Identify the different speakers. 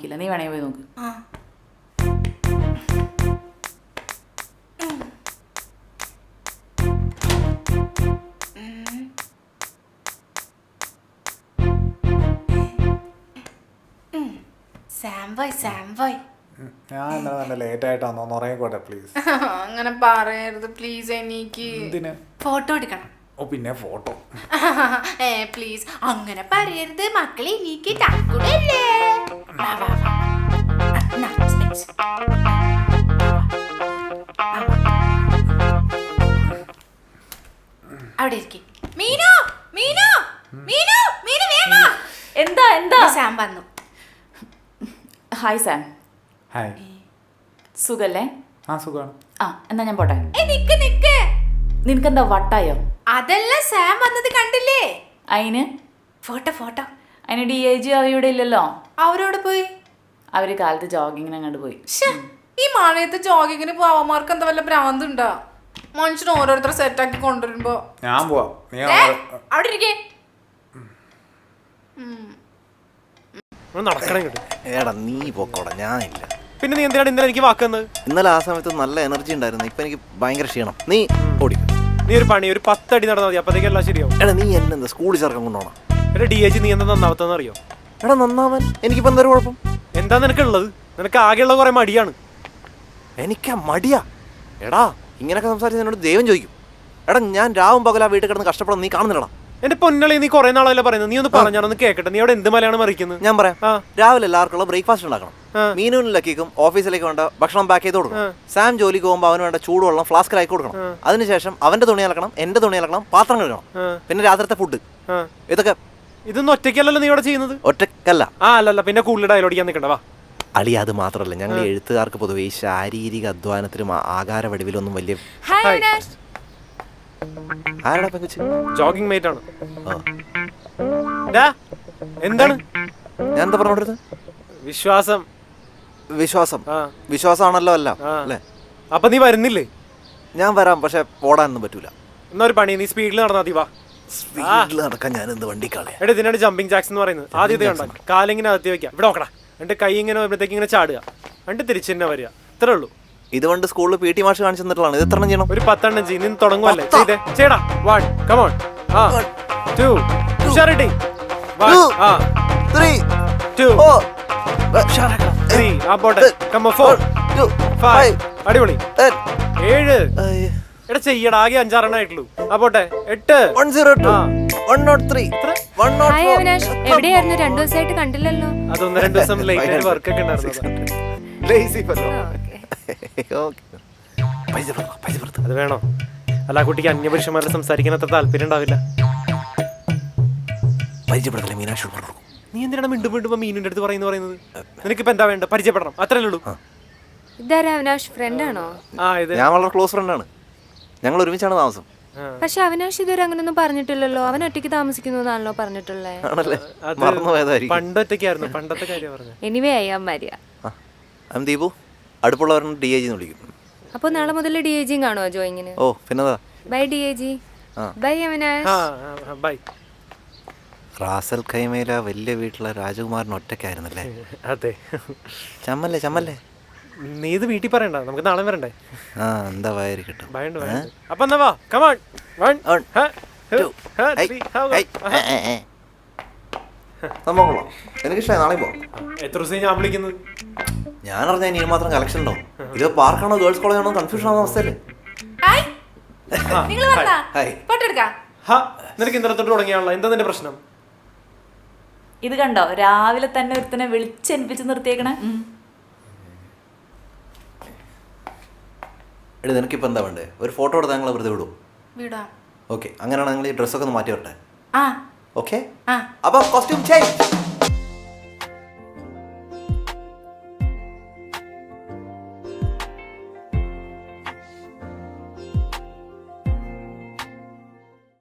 Speaker 1: കാണിക്കില്ല. നീ വേണേ പോയി നോക്ക്.
Speaker 2: ഞാൻ ഇന്നലെ നല്ല ലേറ്റ് ആയിട്ടാണോ ഉറങ്ങിക്കോട്ടെ പ്ലീസ്.
Speaker 3: അങ്ങനെ പറയരുത് പ്ലീസ്. എനിക്ക് ഫോട്ടോ എടുക്കണം.
Speaker 2: ഓ പിന്നെ ഫോട്ടോ
Speaker 3: പ്ലീസ് അങ്ങനെ പറയരുത് മക്കളെ. എനിക്ക് തക്കൂടല്ലേ. അവിടെ ഇരിക്കും. മീനു മീനു മീനു മീനു വേഗം.
Speaker 1: എന്താ എന്താ?
Speaker 3: സാം വന്നു.
Speaker 1: Hi Sam.
Speaker 2: ഹായ്.
Speaker 1: സുഖല്ലേ?
Speaker 2: ആ സുഖമാണ്.
Speaker 1: ആ എന്നാ ഞാൻ പോട്ടെ.
Speaker 3: നിക്ക് നിക്ക്.
Speaker 1: നിനക്കെന്താ വട്ടായോ?
Speaker 3: അതല്ല, സാം വന്നത് കണ്ടില്ലേ?
Speaker 1: അതിന്
Speaker 3: ഫോട്ടോ ഫോട്ടോ.
Speaker 1: അതിന് DIG ഇവിടെ ഇല്ലല്ലോ.
Speaker 3: അവരോട് പോയി.
Speaker 1: അവര് കാലത്ത് ജോഗിങ്ങിന് അങ്ങോട്ട് പോയി.
Speaker 3: ഈ മഴയത്ത് ജോഗിങ്ങിന് പോവാമാർക്ക് എന്താ വല്ല ഭ്രാന്തുണ്ടോ? മനുഷ്യന് ഓരോരുത്തർ സെറ്റാക്കി കൊണ്ടുവരുമ്പോ
Speaker 2: ഞാൻ പോവാം.
Speaker 3: അവിടെ ഇരിക്കേ.
Speaker 4: എടാ നീ പോക്കോടാ, ഞാനില്ല.
Speaker 5: പിന്നെ നീ എന്തിനാണ് ഇന്നലെ എനിക്ക് വാക്കുന്നത്?
Speaker 4: ഇന്നലെ ആ സമയത്ത് നല്ല എനർജി ഉണ്ടായിരുന്നു. ഇപ്പൊ എനിക്ക് ഭയങ്കര ക്ഷീണം. നീ ഓടിക്കും.
Speaker 5: നീ ഒരു പണി, ഒരു 10 അടി നടന്നാൽ മതി, അപ്പത്തേക്ക് എല്ലാം ശരിയാവും.
Speaker 4: എടാ നീ എന്നെ സ്കൂളിൽ ചേർക്കാൻ കൊണ്ടുപോകണം.
Speaker 5: എടാ DIG നീ എന്താ നന്നാവത്തെന്ന് അറിയോ?
Speaker 4: എടാ നന്നാവൻ എനിക്കിപ്പോ എന്തൊരു കുഴപ്പം?
Speaker 5: എന്താ നിനക്കുള്ളത്? നിനക്ക് ആകെയുള്ള കുറെ മടിയാണ്.
Speaker 4: എനിക്കാ മടിയാ? എടാ ഇങ്ങനെയൊക്കെ സംസാരിച്ച് എന്നോട് ദൈവം ചോദിക്കും. എടാ ഞാൻ രാവും പകലാ വീട്ടിൽ കിടന്ന് കഷ്ടപ്പെടാൻ നീ കാണുന്നില്ലടാ.
Speaker 5: എന്റെ പൊന്നളി, നീ കുറെ നാളല്ല പറയുന്നത്. നീ ഒന്ന് പറഞ്ഞാണെന്ന് കേക്കട്ടെ. നീ അവിടെ എന്ത് മലയാണ് മറിക്കുന്നത്?
Speaker 4: ഞാൻ പറയാം. രാവിലെ എല്ലാവർക്കുള്ള ബ്രേക്ക്ഫാസ്റ്റ് ഉണ്ടാക്കണം. മീനുവിനും ഓഫീസിലേക്ക് വേണ്ട ഭക്ഷണം പാക്ക് ചെയ്ത് കൊടുക്കണം. സാം ജോലിക്ക് പോകുമ്പോൾ അവന് വേണ്ട ചൂടുവെള്ളം ഫ്ലാസ്കിലാക്കി കൊടുക്കണം. അതിനുശേഷം അവന്റെ തുണി അലക്കണം, എന്റെ തുണി അലക്കണം, പാത്രം കഴുകണം. പിന്നെ രാത്രിത്തെ ഫുഡ്.
Speaker 5: ഇതൊന്നും ഒറ്റയ്ക്കല്ലല്ലോ നീ ഇവിടെ ചെയ്യുന്നത്?
Speaker 4: ഒറ്റക്കല്ല.
Speaker 5: അല്ലല്ല, പിന്നെ കൂടുതൽ ഡയലോഗിക്കാൻ നിൽക്കണ്ട. വാ
Speaker 4: അളി, അത് മാത്രമല്ല ഞങ്ങൾ എഴുത്തുകാർക്ക് പൊതുവെ ഈ ശാരീരിക അധ്വാനത്തിലും ആകാര വടിവിലൊന്നും വലിയ ആരുടെ പെങ്കുച്ച്
Speaker 5: ജോഗിങ് മേറ്റ് ആണ്. എന്താണ്
Speaker 4: ഞാൻ എന്താ പറഞ്ഞോണ്ടിരുന്നത്?
Speaker 5: വിശ്വാസം
Speaker 4: വിശ്വാസം വിശ്വാസമാണല്ലോ. അല്ല അല്ലേ?
Speaker 5: അപ്പൊ നീ വരുന്നില്ലേ?
Speaker 4: ഞാൻ വരാം, പക്ഷെ ഓടാനൊന്നും പറ്റൂല.
Speaker 5: എന്നാ ഒരു പണി, നീ സ്പീഡിൽ നടന്നാ മതി. വാ.
Speaker 4: സ്പീഡിൽ നടക്കാൻ ഞാൻ എന്ത് വണ്ടി കളയാ?
Speaker 5: എടാ ഇതിനാണ് ജമ്പിങ് ജാക്സ് എന്ന് പറയുന്നത്. ആദ്യത്തെ കണ്ടാ കാലിങ്ങനെ അകത്തി വെക്കാം. ഇവിടെ നോക്കടാ, എന്റെ കൈ ഇങ്ങനെ വരുമ്പോഴത്തേക്ക് ഇങ്ങനെ ചാടുക, എന്നിട്ട് തിരിച്ചു തന്നെ വരിക. ഇത്രേ ഉള്ളൂ.
Speaker 4: ഇതുകൊണ്ട് സ്കൂളിൽ PT മാഷ് കാണിച്ചു തന്നിട്ടുള്ളതാണ്. ഇത് എത്ര ചെയ്യണം?
Speaker 5: ഒരു 10 എണ്ണം ചെയ്യും. നീ തുടങ്ങുവല്ലേ? ചെയ്തേ ചേടാ. 1 come on 2 ഉഷാറിട്ടി 1 3 2 3 ആ പോട്ടെ. come on 4 5 അടിപൊളി 7 എടാ ചെയ്യടാ. ആകെ 5-6 എണ്ണം ആയിട്ടുള്ളൂ. ആ പോട്ടെ 8
Speaker 4: 102 103 104.
Speaker 6: എവിടെയായിരുന്നു? 2 ദിവസമായിട്ട് കണ്ടില്ലല്ലോ.
Speaker 5: അത് 1-2 ദിവസം ലേറ്റ് ആയിട്ട് വർക്ക് ഒക്കെ ഉണ്ടായിരുന്നു. അത് വേണോ? അല്ല, ആ കുട്ടിക്ക് അന്യപുരുഷന്മാരെ സംസാരിക്കാൻ അത്ര താല്പര്യം ഉണ്ടാവില്ല. നീ എന്തിനാണ് മിണ്ടും മിണ്ടുമ്പോ മീനിന്റെ അടുത്ത് പറയുന്നത്? നിനക്കിപ്പോ എന്താ വേണ്ട? പരിചയപ്പെടണം, അത്രല്ലേ ഉള്ളൂ.
Speaker 6: ഇതാരാ അവിനാഷ്? ഫ്രണ്ട് ആണോ?
Speaker 4: ഞാൻ വളരെ ക്ലോസ് ഫ്രണ്ടാണ്. ഞങ്ങൾ ഒരുമിച്ചാണ് താമസം.
Speaker 6: പക്ഷെ അവിനാഷ് ഇതുവരെ അങ്ങനൊന്നും പറഞ്ഞിട്ടില്ലല്ലോ. അവൻ ഒറ്റയ്ക്ക് താമസിക്കുന്നു എന്നാണല്ലോ പറഞ്ഞിട്ടുള്ളത്.
Speaker 5: പണ്ടൊറ്റയ്ക്കായിരുന്നു, പണ്ടത്തെ കാര്യം പറഞ്ഞു.
Speaker 6: Anyway I am Maria.
Speaker 4: ദീപു അടുപ്പുള്ളവരെ DIG എന്ന് വിളിക്കും.
Speaker 6: അപ്പൊ നാളെ മുതൽ DIG കാണുമോ ജോയിങ്ങിന്?
Speaker 4: ഓ പിന്നെതാ.
Speaker 6: Bye DIG. Bye Avinash.
Speaker 5: Bye.
Speaker 4: റാസൽ ഖൈമയില വലിയ വീട്ടിലെ രാജകുമാരൻ ഒറ്റയ്ക്കായിരുന്നല്ലേ?
Speaker 5: അതെ.
Speaker 4: ചമ്മല്ലേ ചമ്മല്ലേ.
Speaker 5: നീ ഇത് വീട്ടിൽ പറയണ്ട, നമുക്ക് നാളെ വരണ്ടേ?
Speaker 4: എന്താ വയറി കിട്ടും.
Speaker 5: അപ്പൊ എന്നാ വാ. come on 1 2
Speaker 4: സംഭവം എനിക്കിഷ്ടമായി. നാളെ പോ.
Speaker 5: എത്ര ദിവസം ഞാൻ വിളിക്കുന്നത്?
Speaker 4: ഞാൻ അറിഞ്ഞാൽ ഇനി മാത്രം കളക്ഷൻ ഉണ്ടോ? ഇത് പാർക്കാണോ ഗേൾസ് കോളേജ് ആണോ കൺഫ്യൂഷൻ ആവുന്ന അവസ്ഥയല്ലേ?
Speaker 5: നിനക്ക് ഇന്നലെ തൊട്ട് തുടങ്ങിയാണല്ലോ. എന്താ നിന്റെ പ്രശ്നം?
Speaker 1: ഇത് കണ്ടോ, രാവിലെ തന്നെ ഒരുത്തനെ വിളിച്ചെനിപ്പിച്ച് നിർത്തിയേക്കണേ.
Speaker 4: എടി നിനക്കിപ്പോൾ എന്താ വേണ്ടേ? ഒരു ഫോട്ടോ എടുത്ത് ഞങ്ങൾ വെറുതെ വിടും. ഓക്കെ, അങ്ങനെയാണെങ്കിൽ ഈ ഡ്രസ്സൊക്കെ ഒന്ന് മാറ്റി വരട്ടെ. ഓക്കെ, അപ്പോൾ കോസ്റ്റ്യൂം ചേഞ്ച്.